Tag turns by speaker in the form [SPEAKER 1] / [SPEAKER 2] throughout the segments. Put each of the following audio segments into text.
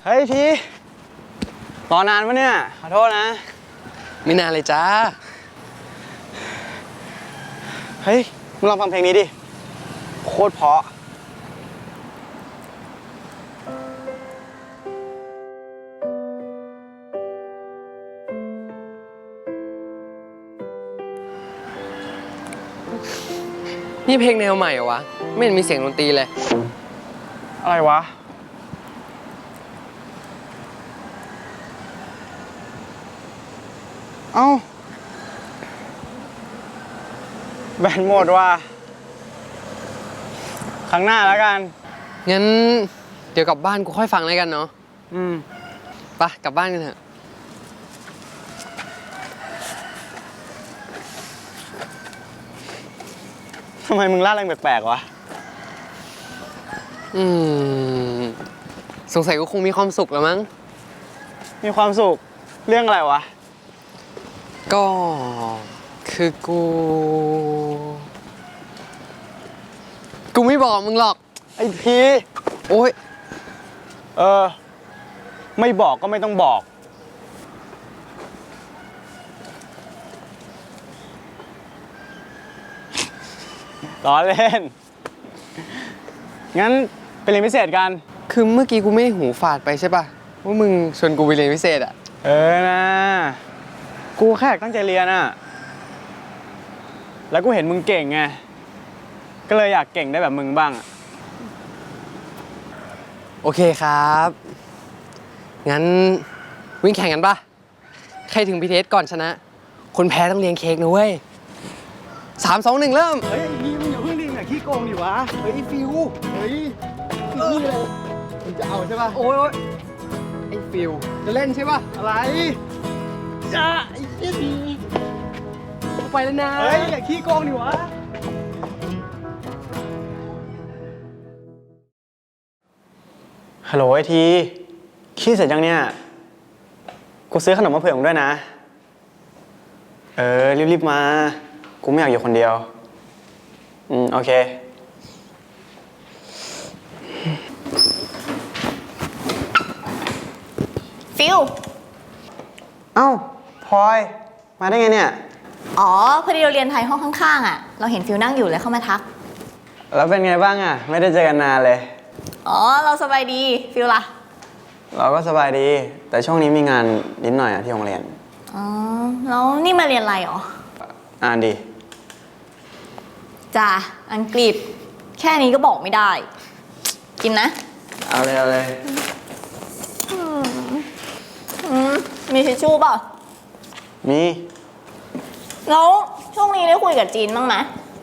[SPEAKER 1] เฮ้ยทีรอนานปะเนี่ยขอโทษนะ
[SPEAKER 2] ไม่นานเลยจ้า
[SPEAKER 1] เฮ้ยมึงลองฟังเพลงนี้ดิโคตรเพราะ
[SPEAKER 2] นี่เพลงแนวใหม่เหรอวะไม่เห็นมีเสียงดนตรีเลย
[SPEAKER 1] อะไรวะเอ้าแบนหมดว่ะครั้งหน้าแล้วกัน
[SPEAKER 2] งั้นเดี๋ยวกลับบ้านกูค่อยฟังแล้วกันเนาะไปกลับบ้านกันเถอะ
[SPEAKER 1] ทำไมมึงล่าเริงแปลกๆวะ
[SPEAKER 2] สงสัยกูคงมีความสุขแล้วมั้ง
[SPEAKER 1] มีความสุขเรื่องอะไรวะ
[SPEAKER 2] ก็คือกูไม่บอกมึงหรอก
[SPEAKER 1] ไอ้พี
[SPEAKER 2] โอ๊ย
[SPEAKER 1] ไม่บอกก็ไม่ต้องบอกล้อเล่นงั้นไปเรียนพิเศษกัน
[SPEAKER 2] คือเมื่อกี้กูไม่หูฝาดไปใช่ป่ะว่ามึงชวนกูไปเรียนพิเศษอ่ะ
[SPEAKER 1] นะกูแค่ตั้งใจเรียนอะแล้วกูเห็นมึงเก่งไงก็เลยอยากเก่งได้แบบมึงบ้าง
[SPEAKER 2] โอเคครับงั้นวิ่งแข่งกันป่ะใครถึงพีเทสก่อนชนะคนแพ้ต้องเลี้ยงเค้กนะเว้ย3 2 1เริ่ม
[SPEAKER 1] เฮ้ยนี่มึงอย่าเพิ่งดิ้งอย่าขี้โกงดิวะเฮ้ยฟิวเฮ้ยนี่เลยมึงจะเอาใช่ป่ะ
[SPEAKER 2] โอ้ยไอ้ฟิวจะเล่นใช่ป่ะ
[SPEAKER 1] อะไรจ้าไอ้เหี้ยดี
[SPEAKER 2] ไปแล้วนะ
[SPEAKER 1] เฮ้ยอย่าขี้โกงดิวะฮัลโหลไอทีขี้เสร็จยังเนี่ยกูซื้อขนมมาเผื่อมึงด้วยนะรีบๆมากูไม่อยากอยู่คนเดียวโอเค
[SPEAKER 3] ฟิล
[SPEAKER 1] เอ้าพลอยมาได้ไงเนี่ย
[SPEAKER 3] อ๋อพอดีเราเรียนไทยห้องข้างๆอ่ะเราเห็นฟิลนั่งอยู่เลยเข้ามาทัก
[SPEAKER 1] แล้วเป็นไงบ้างอ่ะไม่ได้เจอกันนานเลย
[SPEAKER 3] อ๋อเราสบายดีฟิลล่ะ
[SPEAKER 1] เราก็สบายดีแต่ช่วงนี้มีงานนิดหน่อยอ่ะที่โรงเรียน
[SPEAKER 3] อ๋อแล้วนี่มาเรียนอะไรหรอ
[SPEAKER 1] อ่านดี
[SPEAKER 3] จ้าอังกฤษแค่นี้ก็บอกไม่ได้กินนะ
[SPEAKER 1] เอาเลย
[SPEAKER 3] มีทิชชู่เปล่า
[SPEAKER 1] มี
[SPEAKER 3] แล้วช่วงนี้ได้คุยกับจีนบ้างไหม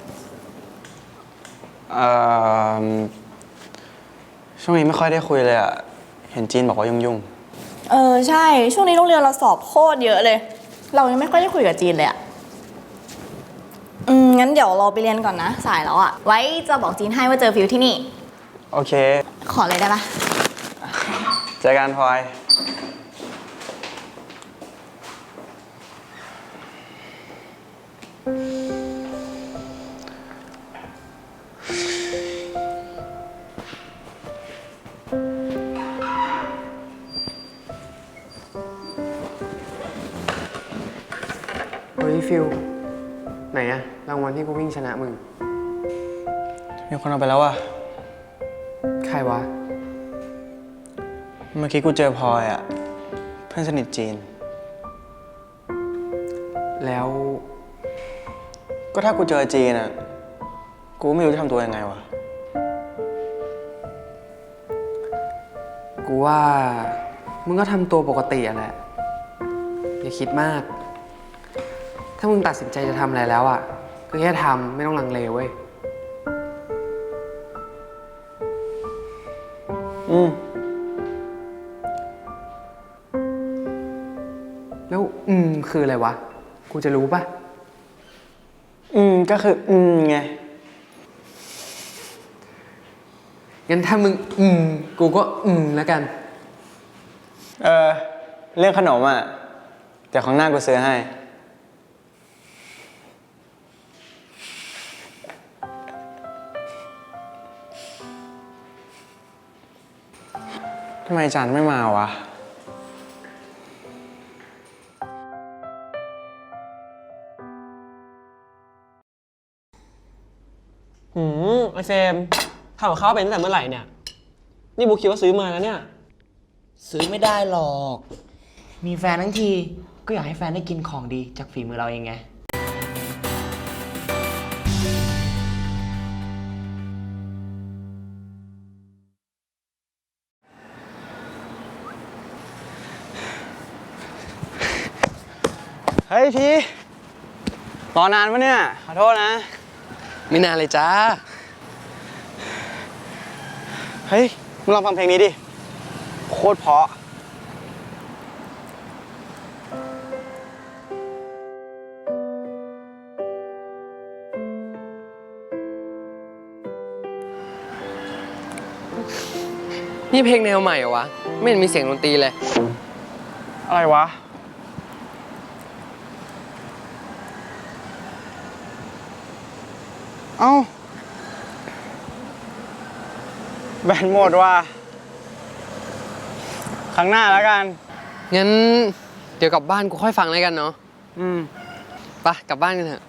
[SPEAKER 1] ช่วงนี้ไม่ค่อยได้คุยเลยอ่ะเห็นจีนบอกว่ายุ่ง
[SPEAKER 3] ใช่ช่วงนี้โรงเรียนเราสอบโคตรเยอะเลยเรายังไม่ค่อยได้คุยกับจีนเลยอ่ะงั้นเดี๋ยวเราไปเรียนก่อนนะสายแล้วอ่ะไว้จะบอกจีนให้ว่าเจอฟิวที่นี่
[SPEAKER 1] โอเค
[SPEAKER 3] ขอเลยได้ปะ
[SPEAKER 1] เจอกันพลอย
[SPEAKER 2] เฮ้ยฟิลไหนอะรางวัลที่กูวิ่งชนะมึง
[SPEAKER 1] มีคนเอาไปแล้วอ่ะ
[SPEAKER 2] ใครวะ
[SPEAKER 1] เมื่อกี้กูเจอพลอยอ่ะเพื่อนสนิทจีน
[SPEAKER 2] แล้ว
[SPEAKER 1] ก็ถ้ากูเจอจีนอ่ะกูไม่รู้จะทำตัวยังไงวะ
[SPEAKER 2] กูว่ามึงก็ทำตัวปกติอะแหละอย่าคิดมากถ้ามึงตัดสินใจจะทำอะไรแล้วอ่ะก็แค่ทำไม่ต้องลังเลเว้ยแล้วคืออะไรวะกูจะรู้ปะ
[SPEAKER 1] ก็คือไง
[SPEAKER 2] งั้นถ้ามึงกูก็แล้วกัน
[SPEAKER 1] เรื่องขนมอ่ะเดี๋ยวข้างหน้ากูซื้อให้ทำไมจันไม่มาวะ
[SPEAKER 4] ไอเฟรมทำกับข้าวเป็นตั้งแต่เมื่อไหร่เนี่ย นี่บุ๊คคิดว่าซื้อมาแล้วเนี่ย
[SPEAKER 5] ซื้อไม่ได้หรอก มีแฟนทั้งทีก็อยากให้แฟนได้กินของดีจากฝีมือเราเองไง
[SPEAKER 1] เฮ้ยทีรอนานปะเนี่ย ขอโทษนะ
[SPEAKER 2] ไม่นานเลยจ้า
[SPEAKER 1] เฮ้ย มึงลองฟังเพลงนี้ดิ โคตรเพราะ
[SPEAKER 2] นี่เพลงแนวใหม่เหรอวะ ไม่เห็นมีเสียงดนตรีเลย
[SPEAKER 1] อะไรวะ เอ้า แบนหมดว่ะ ครั้งหน้าแล้วกัน
[SPEAKER 2] งั้นเดี๋ยวกลับบ้านกูค่อยฟังแล้วกันเนาะ
[SPEAKER 1] อืม
[SPEAKER 2] ไปกลับบ้านกันเถอะ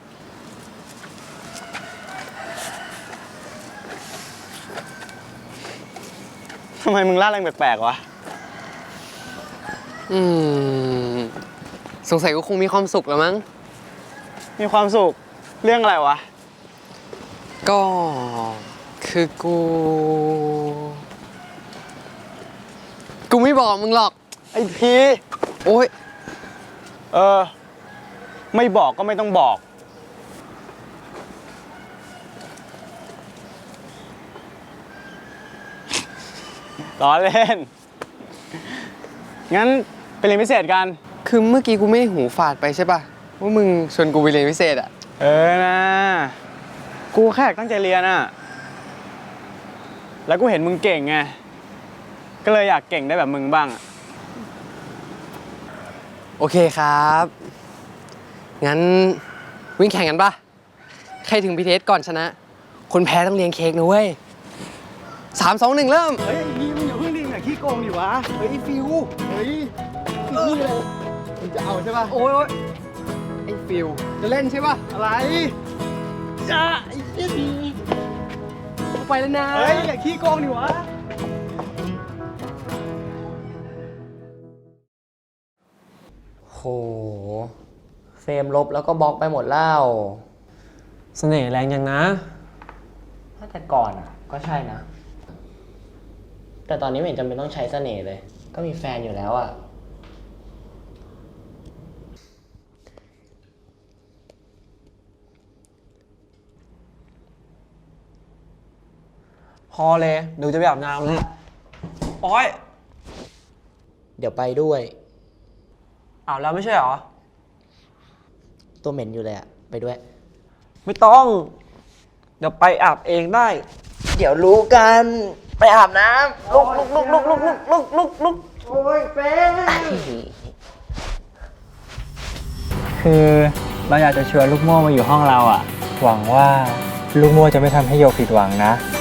[SPEAKER 1] ทำไมมึงล่าเริงแปลกๆวะ
[SPEAKER 2] อืม สงสัยกูคงมีความสุขแล้วมั้ง
[SPEAKER 1] มีความสุข เรื่องอะไรวะ
[SPEAKER 2] ก็คือกู ไม่บอกมึงหรอก
[SPEAKER 1] ไอ้พี
[SPEAKER 2] โอ๊ย
[SPEAKER 1] เออ ไม่บอกก็ไม่ต้องบอกล้อเล่น งั้นไปเรียนพิเศษกัน
[SPEAKER 2] คือเมื่อกี้กูไม่ได้หูฝาดไปใช่ป่ะ ว่ามึงชวนกูไปเรียนพิเศษอะ
[SPEAKER 1] เออนะ กูแค่อยากตั้งใจเรียนอะแล้วกูเห็นมึงเก่งไง ก็เลยอยากเก่งได้แบบมึงบ้างอะ
[SPEAKER 2] โอเคครับ งั้นวิ่งแข่งกันป่ะ ใครถึงพีเทสก่อนชนะ คนแพ้ต้องเลี้ยงเค้กนะเว้ย3 2 1 เริ่ม
[SPEAKER 1] เฮ้ยนี่มึงอย่าเพิ่งดิ้งอย่าขี้โกงดิวะ เฮ้ยฟิว เฮ้ยนี่เลยมึงจะเอาใช่ป่ะ
[SPEAKER 2] โอ๊ยไอ้ฟิว จะเล่นใช่ป่ะ
[SPEAKER 1] อะไรจ้าไอ้เหี้ยดี
[SPEAKER 2] กูไปแล้วนะ
[SPEAKER 1] เฮ้ยอย่าขี้โกงดิวะ
[SPEAKER 5] โห เฟรมลบแล้วก็บล็อกไปหมดแล้ว
[SPEAKER 4] เสน่ห์แรงยังนะ
[SPEAKER 5] ถ้าแต่ก่อนอ่ะ ก็ใช่นะ แต่ตอนนี้ไม่เห็นจำเป็นต้องใช้เสน่ห์เลย ก็มีแฟนอยู่แล้วอ่ะ
[SPEAKER 4] พอเลยเดี๋ยวจะไปอาบน้ำแล้วโอ๊ย
[SPEAKER 5] เดี๋ยวไปด้วย
[SPEAKER 4] อาบแล้วไม่ใช่เหรอ
[SPEAKER 5] ตัวเหม็นอยู่เลยอ่ะ ไปด้วย
[SPEAKER 4] ไม่ต้อง เดี๋ยวไปอาบเองได้
[SPEAKER 5] เดี๋ยวรู้กัน ไปอาบน้ำลุกลุกลุกลุกลุกลุกลุกลุก
[SPEAKER 4] โอ้ยเฟน
[SPEAKER 6] คือเราอยากจะชวนลูกโม่มาอยู่ห้องเราอ่ะ หวังว่าลูกโม่จะไม่ทำให้โยผิดหวังนะ